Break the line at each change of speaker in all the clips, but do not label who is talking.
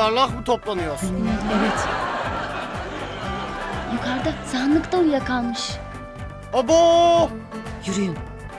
yuvarlak mı toplanıyoruz?
Evet.
Yukarıda sahanlıkta uyuyakalmış.
Abo!
Yürüyün.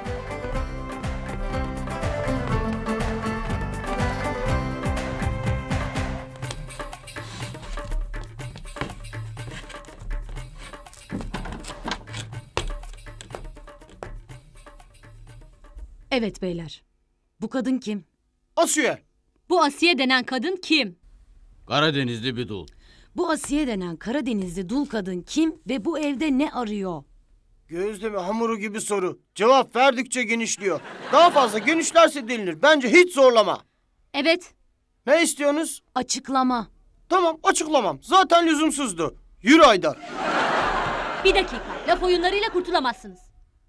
Evet beyler. Bu kadın kim?
Asiye.
Bu Asiye denen kadın kim?
Karadenizli bir dul.
Bu Asiye denen Karadenizli dul kadın kim ve bu evde ne arıyor?
Gözleme hamuru gibi soru. Cevap verdikçe genişliyor. Daha fazla genişlerse delinir. Bence hiç zorlama.
Evet.
Ne istiyorsunuz?
Açıklama.
Tamam, açıklamam. Zaten lüzumsuzdu. Yürü Haydar.
Bir dakika. Laf oyunlarıyla kurtulamazsınız.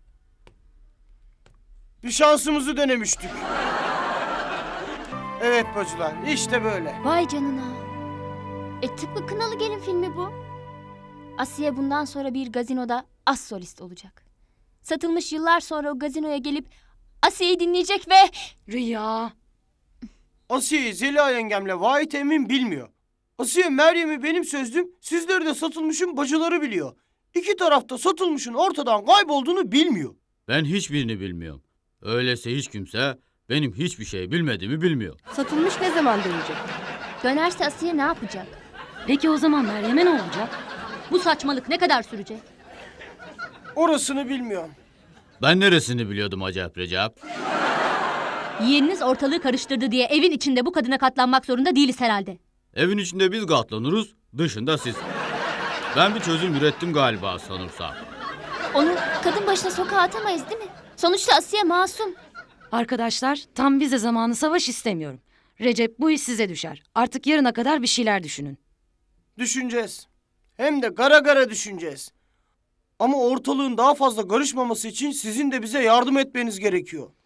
Bir şansımızı denemiştik. Evet bacılar, işte böyle.
Vay canına. Tıpkı Kınalı Gelin filmi bu. Asiye bundan sonra bir gazinoda as solist olacak. Satılmış yıllar sonra o gazinoya gelip Asiye'yi dinleyecek ve...
Rüya.
Asiye'yi Zeliha yengemle Vahit Emin bilmiyor. Asiye Meryem'i benim sözlüm, sizleri de satılmışın bacıları biliyor. İki tarafta satılmışın ortadan kaybolduğunu bilmiyor.
Ben hiçbirini bilmiyorum. Öyleyse hiç kimse benim hiçbir şey bilmediğimi bilmiyor.
Satılmış ne zaman dönecek?
Dönerse Asiye ne yapacak?
Peki o zaman Meryem'e ne olacak?
Bu saçmalık ne kadar sürecek?
Orasını bilmiyorum.
Ben neresini biliyordum acaba Recep?
Yeğeniniz ortalığı karıştırdı diye evin içinde bu kadına katlanmak zorunda değiliz herhalde.
Evin içinde biz katlanırız, dışında siz. Ben bir çözüm ürettim galiba sanırsam.
Onu kadın başına sokağa atamayız değil mi? Sonuçta Asiye masum.
Arkadaşlar tam vize zamanı savaş istemiyorum. Recep bu iş size düşer. Artık yarına kadar bir şeyler düşünün.
Düşüneceğiz. Hem de gara gara düşüneceğiz. Ama ortalığın daha fazla karışmaması için sizin de bize yardım etmeniz gerekiyor.